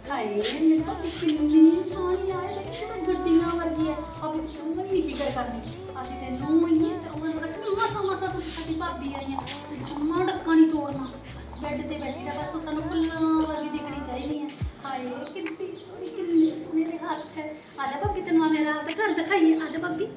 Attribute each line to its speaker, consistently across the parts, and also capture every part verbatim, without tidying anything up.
Speaker 1: ਹਾਏ ਮੇਰੇ ਤਾਂ ਕਿੰਨੀ ਸੋਹਣੀ ਆ ਇਹ ਤਾਂ ਗੱਡੀਆਂ ਵਰਗੀ ਹੈ ਅਬੇ ਤੂੰ ਨਹੀਂ ਫਿਕਰ ਕਰਨੀ ਅਸੀਂ ਤੈਨੂੰ ਇੰਨੀ ਚਾਹੁੰਦੇ ਮਤਲਬ ਕਿ ਮਸਾ ਮਸਾ ਤੂੰ ਸਾਡੀ ਭਾਬੀ ਆਈ ਆ ਤੇ ਜੰਮਾ ਡੱਕਾ ਨਹੀਂ ਤੋੜਨਾ ਬਸ ਬੈੱਡ ਤੇ ਬੈਠੀ ਦਾ ਬਸ ਤੂੰ ਸਾਨੂੰ ਫੁੱਲਾਂ ਵਰਗੀ ਦਿਖਣੀ ਚਾਹੀਦੀ ਹੈ ਹਾਏ ਕਿੰਨੀ ਸੋਹਣੀ ਕਿੰਨੀ ਮੇਰੇ ਹੱਥ ਹੈ ਆ ਜਾ ਭਾਬੀ ਤੈਨੂੰ ਮੇਰਾ ਤਾਂ ਘਰ ਦਿਖਾਈਏ ਆ ਜਾ ਭਾਬੀ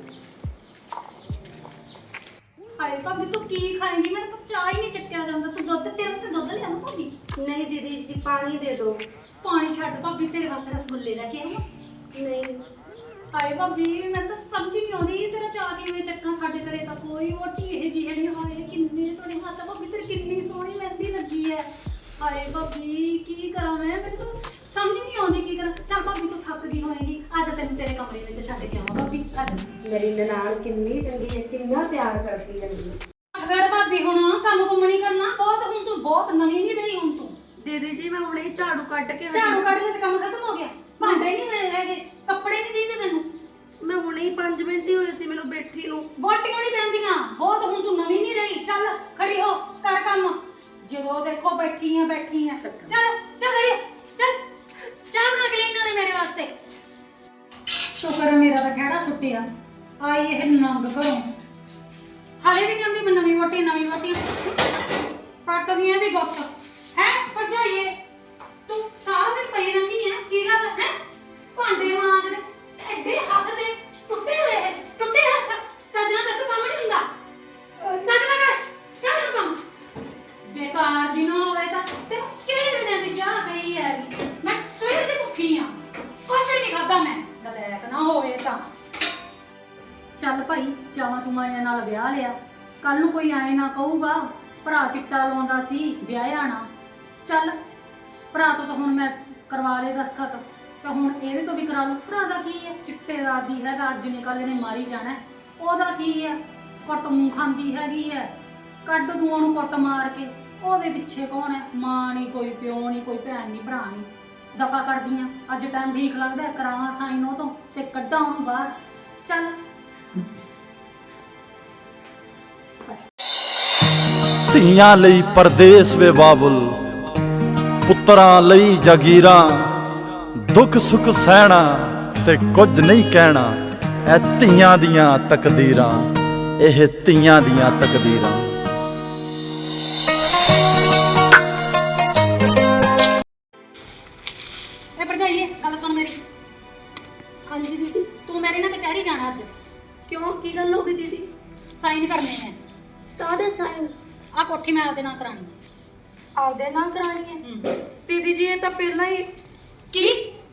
Speaker 1: ਹਾਏ ਭਾਬੀ ਤੂੰ ਕੀ ਖਾਏਂਗੀ ਮੈਨੂੰ ਤਾਂ ਚਾਹ ਹੀ ਨਹੀਂ ਚੱਕਿਆ ਜਾਂਦਾ ਤੂੰ ਦੁੱਧ ਤੇਰੇ ਤੇ ਦੁੱਧ ਲਿਆ ਨਾ ਭਾਬੀ
Speaker 2: नहीं दीदी जी पानी दे दो।
Speaker 1: ਪਾਣੀ ਛੱਡ ਭਾਬੀ ਤੇਰੇ ਵਾਸਤੇ ਰਸਗੁੱਲੇ ਲੈ ਕੇ ਆਈ ਹਾਂ
Speaker 2: नहीं
Speaker 1: ਹਾਏ ਭਾਬੀ ਮੈਨੂੰ ਤਾਂ ਸਮਝ ਨਹੀਂ ਆਉਂਦੀ ਤੇਰਾ ਚਾਹ ਕਿਵੇਂ ਚੱਕਾਂ ਸਾਡੇ ਘਰੇ ਤਾਂ ਕੋਈ ਮੋਟੀ ਇਹ ਜਿਹੀ ਨਹੀਂ ਹਾਏ ਕਿੰਨੇ ਸੋਹਣੇ ਹੱਥ ਆ ਭਾਬੀ ਤੇਰੀ ਕਿੰਨੀ ਸੋਹਣੀ ਮਹਿੰਦੀ ਲੱਗੀ ਹੈ ਹਾਏ ਭਾਬੀ ਕੀ ਕਰਾਂ ਮੈਂ ਮੈਨੂੰ ਤਾਂ ਸਮਝ ਨਹੀਂ ਆਉਂਦੀ ਕੀ ਕਰਾਂ ਚੱਲ ਭਾਬੀ ਤੂੰ ਥੱਕ ਗਈ ਹੋਏਗੀ ਆ ਜਾ ਤੈਨੂੰ ਤੇਰੇ ਕਮਰੇ ਵਿੱਚ ਛੱਡ ਕੇ ਆਵਾਂ ਭਾਬੀ ਆ ਜਾ
Speaker 2: मेरी ननान कितनी चंगी है कितना प्यार करती है मेरी।
Speaker 1: ਫਿਰ ਭਾਬੀ ਹੁਣ ਕੰਮ ਕੁੰਮ ਨਹੀਂ ਕਰਨਾ ਬਹੁਤ ਹੁਣ ਤੂੰ ਬਹੁਤ ਨਵੀਂ ਨਹੀਂ ਰਹੀ ਹੁਣ ਤੂੰ
Speaker 2: दीदी जी मैं हुणे ही झाड़ू कट के
Speaker 1: ਝਾੜੂ ਕੱਢ ਲੈ ਤੇ ਕੰਮ ਖਤਮ ਹੋ ਗਿਆ ਭਾਂਡੇ ਨਹੀਂ ਹੈਗੇ ਕੱਪੜੇ ਨਹੀਂ ਦੀਦੇ ਤੈਨੂੰ
Speaker 2: मैं हुणे ही पाँच मिनट ही होए सी मैनू बैठी नू।
Speaker 1: ਵੋਟੀਆਂ ਨਹੀਂ ਪੈਂਦੀਆਂ ਬਹੁਤ ਹੁਣ ਤੂੰ ਨਵੀਂ ਨਹੀਂ ਰਹੀ ਚੱਲ ਖੜੀ ਹੋ ਕਰ ਕੰਮ ਜਦੋਂ ਦੇਖੋ ਬੈਠੀ ਆ ਬੈਠੀ ਆ ਚੱਲ ਚੱਲ ਖੜੀ ਹੋ, ਚੱਲ ਚਾਹ ਬਣਾ ਕੇ ਲੈ ਨਾਲੇ ਮੇਰੇ ਵਾਸਤੇ ਸ਼ੁਕਰ ਹੈ ਮੇਰਾ ਤਾਂ ਖਹਿੜਾ ਛੁੱਟਿਆ ਆਈ ਇਹ ਨੰਗ ਘਰੋਂ ਹਾਲੇ ਵੀ ਕਹਿੰਦੀ ਮੈਂ ਨਵੀਂ ਵੋਟੀ ਨਵੀਂ ਵੋਟੀ ਪੱਟਦੀਆਂ ਦੀ ਗੁੱਤ ਹੈ ਭਰਜਾਈਏ ਤੂੰ ਸਾਰਾ ਦਿਨ ਪਈ ਰਹਿੰਦੀ ਹੈ ਕੀ ਗੱਲ ਹੈ ਭਾਂਡੇ ਮਾਂਜ ਲੈ ਐਡੇ ਹੱਥ ਤੇ ਟੁੱਟੇ ਹੋਏ ਹੈ ਟੁੱਟੇ ਹੱਥ ਕਦਨਾ ਤੱਕ ਕੰਮ ਨਹੀਂ ਹੁੰਦਾ ਕਦਨਾ ਕਰ ਕਰ ਨੂੰ ਕੰਮ ਬੇਕਾਰ ਜੀ ਨਾ ਹੋਵੇ ਤਾਂ ਤੇ ਕਿਹੜੇ ਦਿਨਾਂ ਦੀ ਚਾਹ ਗਈ ਹੈ ਮੈਂ ਸਵੇਰ ਦੀ ਭੁੱਖੀ ਆ ਕੁਛ ਵੀ ਨਹੀਂ ਖਾਦਾ ਮੈਂ ਗਲੈਕ ਨਾ ਹੋਵੇ ਤਾਂ ਚੱਲ ਭਾਈ ਚਾਵਾਂ ਚੁਮਾਇਆਂ ਨਾਲ ਵਿਆਹ ਲਿਆ ਕੱਲ ਨੂੰ ਕੋਈ ਆਏ ਨਾ ਕਹੂਗਾ ਭਰਾ ਚਿੱਟਾ ਲਾਉਂਦਾ ਸੀ ਵਿਆਹ ਆਣਾ ਚੱਲ ਭਰਾ ਤੋਂ ਤਾਂ ਹੁਣ ਮੈਂ ਕਰਵਾ ਲਏ ਦਸਖਤ ਤੇ ਹੁਣ ਇਹਦੇ ਤੋਂ ਵੀ ਕਰਾ ਲਓ ਭਰਾ ਦਾ ਕੀ ਹੈ ਚਿੱਟੇ ਦਾ ਆਦੀ ਹੈਗਾ ਅੱਜ ਨੇ ਕੱਲ ਨੇ ਮਾਰੀ ਜਾਣਾ ਉਹਦਾ ਕੀ ਹੈ ਕੁੱਟ ਮੂੰਹ ਖਾਂਦੀ ਹੈਗੀ ਹੈ ਕੱਢ ਦੂਆਂ ਨੂੰ ਕੁੱਟ ਮਾਰ ਕੇ ਉਹਦੇ ਪਿੱਛੇ ਕੌਣ ਹੈ ਮਾਂ ਨਹੀਂ ਕੋਈ ਪਿਓ ਨਹੀਂ ਕੋਈ ਭੈਣ ਨਹੀਂ ਭਰਾ ਨਹੀਂ ਦਫਾ ਕਰਦੀਆਂ ਅੱਜ ਟਾਈਮ ਠੀਕ ਲੱਗਦਾ ਕਰਾਵਾਂ ਸਾਈਨ ਉਹ ਤੋਂ ਤੇ ਕੱਢਾਂ ਉਹਨੂੰ ਬਾਹਰ ਚੱਲ
Speaker 3: ਧੀਆਂ ਲਈ ਪਰਦੇਸ ਵੇ ਬਾਬੁਲ ਪੁੱਤਰਾਂ ਲਈ ਜਾਗੀਰਾਂ ਦੁੱਖ ਸੁੱਖ ਸਹਿਣਾ ਤੇ ਕੁਝ ਨਹੀਂ ਕਹਿਣਾ ਇਹ ਧੀਆਂ ਦੀਆਂ ਤਕਦੀਰਾਂ ਇਹ ਧੀਆਂ ਦੀਆਂ ਤਕਦੀਰਾਂ।
Speaker 1: ਇਹ ਭਰਜਾਈਏ ਗੱਲ ਸੁਣ ਮੇਰੀ
Speaker 2: हाँ जी दीदी
Speaker 1: ਤੂੰ ਮੇਰੇ ਨਾਲ ਕਚਹਿਰੀ ਜਾਣਾ ਅੱਜ
Speaker 2: क्यों की गल हो गई दीदी?
Speaker 1: ਸਾਈਨ ਕਰਨੇ ਨੇ
Speaker 2: कादे साइन
Speaker 1: ਆ ਕੋਠੀ ਮੈਂ ਆਪਦੇ ਨਾਂ ਕਰਾਣੀ
Speaker 2: आपदे ना करानी है दीदी जी ये तो पहला ही
Speaker 1: ਕੀ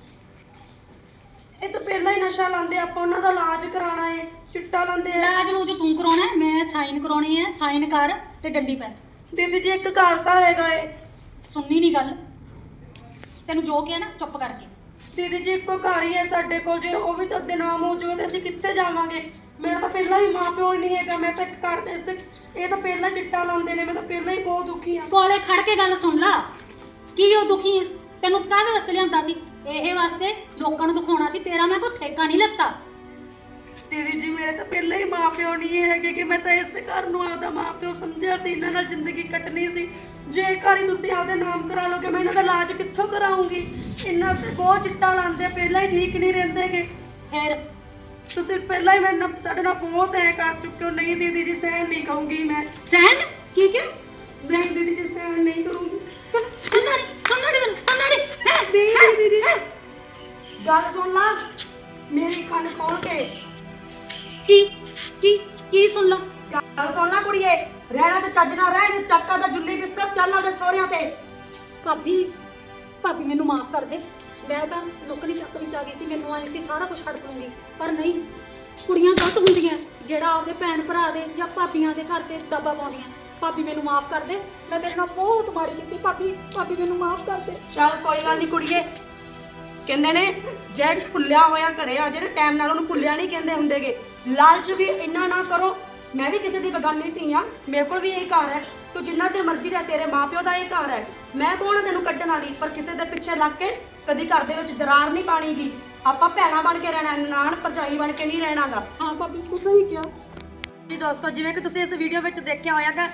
Speaker 2: ਇਹ ਤਾਂ ਪਹਿਲਾਂ ਹੀ ਨਸ਼ਾ ਲਾਉਂਦੇ ਆਪਾਂ ਉਹਨਾਂ ਦਾ ਇਲਾਜ ਕਰਾਉਣਾ ਹੈ ਚਿੱਟਾ ਲਾਉਂਦੇ ਆ।
Speaker 1: ਇਲਾਜ ਨੂੰ ਜੋ ਤੂੰ ਕਰਾਉਣਾ ਹੈ, ਮੈਂ ਸਾਈਨ ਕਰਾਉਣੇ ਹੈ ਸਾਈਨ ਕਰ ਤੇ ਡੰਡੀ ਪੈ
Speaker 2: ਦੀਦੀ ਜੀ ਇੱਕ ਘਰ ਤਾਂ ਹੈਗਾ ਏ।
Speaker 1: ਸੁਣਨੀ ਨਹੀਂ ਗੱਲ ਤੈਨੂੰ ਜੋ ਕਿਹਾ ਨਾ ਚੁੱਪ ਕਰਕੇ
Speaker 2: ਦੀਦੀ ਜੀ ਇੱਕੋ ਘਰ ਹੀ ਹੈ ਸਾਡੇ ਕੋਲ ਜੇ ਉਹ ਵੀ ਤੁਹਾਡੇ ਨਾਮ ਹੋ ਜਾਵੇ ਤੇ ਅਸੀਂ ਕਿੱਥੇ ਜਾਵਾਂਗੇ। ਮੇਰਾ ਤਾਂ ਪਹਿਲਾਂ ਹੀ ਮਾਂ ਪਿਓ ਨਹੀਂ ਹੈਗਾ ਮੈਂ ਤਾਂ ਇੱਕ ਘਰ ਦੇ ਇਸ ਇਹ ਤਾਂ ਪਹਿਲਾਂ ਚਿੱਟਾ ਲਾਉਂਦੇ ਨੇ ਮੈਂ ਤਾਂ ਪਹਿਲਾਂ ਹੀ ਬਹੁਤ ਦੁਖੀ ਆ।
Speaker 1: ਕੋਲੇ ਖੜ ਕੇ ਗੱਲ ਸੁਣ ਲਾ ਕੀ ਉਹ ਦੁਖੀ ਹੈ ਤੈਨੂੰ ਕਾਹਦੇ ਵਾਸਤੇ ਲਿਆਂਦਾ ਸੀ ਇਹ ਵਾਸਤੇ ਲੋਕਾਂ ਨੂੰ ਦਿਖਾਉਣਾ ਸੀ ਤੇਰਾ ਮੈਂ ਕੋਈ ਠੇਕਾ ਨਹੀਂ ਲੱਤਾ
Speaker 2: ਦੀਦੀ ਜੀ ਮੇਰੇ ਤਾਂ ਪਹਿਲਾਂ ਹੀ ਮਾਂ ਪਿਓ ਨਹੀਂ ਹੈਗੇ ਕਿ ਮੈਂ ਤਾਂ ਇਸੇ ਘਰ ਨੂੰ ਆਪਦਾ ਮਾਂ ਪਿਓ ਸਮਝਿਆ ਸੀ ਇਹਨਾਂ ਨਾਲ ਜ਼ਿੰਦਗੀ ਕੱਟਣੀ ਸੀ। ਜੇ ਇੱਕ ਵਾਰੀ ਤੁਸੀਂ ਆਪਦਾ ਨਾਮ ਕਰਾ ਲਓਗੇ ਮੈਂ ਇਹਨਾਂ ਦਾ ਇਲਾਜ ਕਿੱਥੋਂ ਕਰਾਉਂਗੀ। ਇਹਨਾਂ ਤੇ ਬਹੁਤ ਚਿੱਟਾ ਲਾਉਂਦੇ ਪਹਿਲਾਂ ਹੀ ਠੀਕ ਨਹੀਂ ਰਹਿੰਦੇਗੇ।
Speaker 1: ਫਿਰ
Speaker 2: ਤੁਸੀਂ ਪਹਿਲਾਂ ਹੀ ਮੈਨੂੰ ਸਾਡੇ ਨਾਲ ਬਹੁਤ ਐ ਕਰ ਚੁੱਕੇ ਹੋ। ਨਹੀਂ ਦੀਦੀ ਜੀ ਸਹਿਣ ਨਹੀਂ ਕਹੂੰਗੀ ਮੈਂ
Speaker 1: ਸੈਂਡ ਕੀ ਕਿ
Speaker 2: ਨਹੀਂ ਦੀਦੀ ਜੀ ਸਹਿਣ ਨਹੀਂ ਕਰੂੰਗੀ।
Speaker 1: ਸੰਦਾੜੀ ਸੰਦਾੜੀ ਸੰਦਾੜੀ ਹੈ
Speaker 2: ਦੀਦੀ ਦੀਦੀ ਗੱਲ ਸੁਣ ਲਾ ਮੇਰੀ ਕੰਨ ਖੋਲ ਕੇ
Speaker 1: ਕੀ ਕੀ ਕੀ ਸੁਣ ਲਾ
Speaker 2: ਗੱਲ ਸੁਣ ਲਾ ਕੁੜੀਏ ਰਹਿਣਾ ਤੇ ਚੱਜ ਨਾਲ ਰਹਿ ਤੇ ਚੱਕਾ ਦਾ ਜੁੱਲੀ ਬਿਸਤਰ ਚੱਲ ਆਉਂਦੇ ਸਹੁਰਿਆਂ ਤੇ।
Speaker 1: ਭਾਬੀ ਭਾਬੀ ਮੈਨੂੰ ਮਾਫ ਕਰ ਦੇ ਮੈਂ ਤਾਂ ਨੌਕਰੀ ਚੱਕ ਵਿੱਚ ਆ ਗਈ ਸੀ ਮੈਨੂੰ ਆਏ ਸੀ ਸਾਰਾ ਕੁਝ ਛੱਡ ਦੂੰਗੀ ਪਰ ਨਹੀਂ ਕੁੜੀਆਂ ਗਲਤ ਹੁੰਦੀਆਂ ਜਿਹੜਾ ਆਪਦੇ ਭੈਣ ਭਰਾ ਦੇ ਜਾਂ ਭਾਬੀਆਂ ਦੇ ਘਰ ਤੇ ਦਬਾ ਪਾਉਂਦੀਆਂ। ਭਾਬੀ ਮੈਨੂੰ ਮਾਫ ਕਰ ਦੇ ਮੈਂ ਤੇਰੇ ਨਾਲ ਬਹੁਤ ਮਾੜੀ ਕੀਤੀ ਭਾਬੀ ਭਾਬੀ ਮੈਨੂੰ ਮਾਫ ਕਰ ਦੇ।
Speaker 2: ਚੱਲ ਕੋਈ ਗੱਲ ਨਹੀਂ ਕੁੜੀਏ ਕਹਿੰਦੇ ਨੇ ਜੇ ਭੁੱਲਿਆ ਹੋਇਆ ਘਰੇ ਆ ਜਿਹੜੇ ਟਾਈਮ ਨਾਲ ਉਹਨੂੰ ਭੁੱਲਿਆ ਨਹੀਂ ਕਹਿੰਦੇ ਹੁੰਦੇਗੇ। ਲਾਲਚ ਵੀ ਇੰਨਾ ਨਾ ਕਰੋ। ਮੈਂ ਵੀ ਕਿਸੇ ਦੀ ਬਗਾਨੀ ਧੀ ਆ ਮੇਰੇ ਕੋਲ ਵੀ ਇਹ ਘਰ ਹੈ ਤੂੰ ਜਿੰਨਾ ਚਿਰ ਮਰਜ਼ੀ ਰਹਿ ਤੇਰੇ ਮਾਪਿਓ ਦਾ ਇਹ ਘਰ ਹੈ। ਮੈਂ ਕੌਣ ਤੈਨੂੰ ਕੱਢਣ ਵਾਲੀ ਪਰ ਕਿਸੇ ਦੇ ਪਿੱਛੇ ਲੱਗ ਕੇ ਕਦੀ ਘਰ ਦੇ ਵਿੱਚ ਦਰਾਰ ਨਹੀਂ ਪਾਣੀ ਗੀ। ਆਪਾਂ ਭੈਣਾਂ ਬਣ ਕੇ ਰਹਿਣਾ ਨਾਨ ਭਰਜਾਈ ਬਣ ਕੇ ਨਹੀਂ ਰਹਿਣਾਗਾ।
Speaker 1: ਹਾਂ ਭਾਬੀ ਤੂੰ ਸਹੀ ਕਿਹਾ
Speaker 2: ਜੀ ਦੋਸਤੋ ਜਿਵੇਂ ਕਿ ਤੁਸੀਂ ਇਸ ਵੀਡੀਓ ਵਿੱਚ ਦੇਖਿਆ ਹੋਇਆਗਾ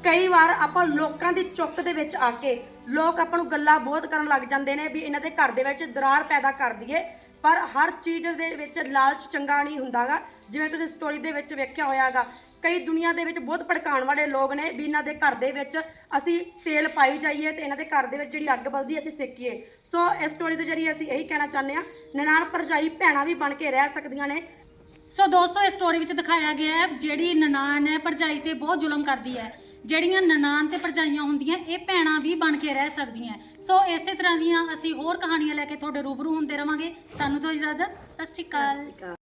Speaker 2: ਕਈ ਵਾਰ ਆਪਾਂ ਲੋਕਾਂ ਦੀ ਚੁੱਕ ਦੇ ਵਿੱਚ ਆ ਕੇ ਲੋਕ ਆਪਾਂ ਨੂੰ ਗੱਲਾਂ ਬਹੁਤ ਕਰਨ ਲੱਗ ਜਾਂਦੇ ਨੇ ਵੀ ਇਹਨਾਂ ਦੇ ਘਰ ਦੇ ਵਿੱਚ ਦਰਾਰ ਪੈਦਾ ਕਰ ਦਈਏ, ਪਰ ਹਰ ਚੀਜ਼ ਦੇ ਵਿੱਚ ਲਾਲਚ ਚੰਗਾ ਨਹੀਂ ਹੁੰਦਾਗਾ। ਜਿਵੇਂ ਤੁਸੀਂ ਸਟੋਰੀ ਦੇ ਵਿੱਚ ਵੇਖਿਆ ਹੋਇਆਗਾ, ਕਈ ਦੁਨੀਆ ਦੇ ਵਿੱਚ ਬਹੁਤ ਭੜਕਾਉਣ ਵਾਲੇ ਲੋਕ ਨੇ ਵੀ ਇਹਨਾਂ ਦੇ ਘਰ ਦੇ ਵਿੱਚ ਅਸੀਂ ਤੇਲ ਪਾਈ ਜਾਈਏ ਤੇ ਇਹਨਾਂ ਦੇ ਘਰ ਦੇ ਵਿੱਚ ਜਿਹੜੀ ਅੱਗ ਬਲਦੀ ਅਸੀਂ ਸੇਕੀਏ। ਸੋ ਇਸ ਸਟੋਰੀ ਦੇ ਜਰੀਏ ਅਸੀਂ ਇਹੀ ਕਹਿਣਾ ਚਾਹੁੰਦੇ ਹਾਂ, ਨਨਾਣ ਭਰਜਾਈ ਭੈਣਾਂ ਵੀ ਬਣ ਕੇ ਰਹਿ ਸਕਦੀਆਂ ਨੇ।
Speaker 1: ਸੋ ਦੋਸਤੋ, ਇਸ ਸਟੋਰੀ ਵਿੱਚ ਦਿਖਾਇਆ ਗਿਆ ਹੈ ਜਿਹੜੀ ਨਨਾਣ ਹੈ ਭਰਜਾਈ ਤੇ ਬਹੁਤ ਜ਼ੁਲਮ ਕਰਦੀ ਹੈ। ਜਿਹੜੀਆਂ ਨਨਾਣ ਤੇ ਭਰਜਾਈਆਂ ਹੁੰਦੀਆਂ ਇਹ ਭੈਣਾਂ ਵੀ ਬਣ ਕੇ ਰਹਿ ਸਕਦੀਆਂ। ਸੋ ਇਸੇ ਤਰ੍ਹਾਂ ਦੀਆਂ ਅਸੀਂ ਹੋਰ ਕਹਾਣੀਆਂ ਲੈ ਕੇ ਤੁਹਾਡੇ ਰੂਬਰੂ ਹੁੰਦੇ ਰਵਾਂਗੇ। ਸਾਨੂੰ ਤੋਂ ਇਜਾਜ਼ਤ, ਸਤਿ ਸ਼੍ਰੀ ਅਕਾਲ।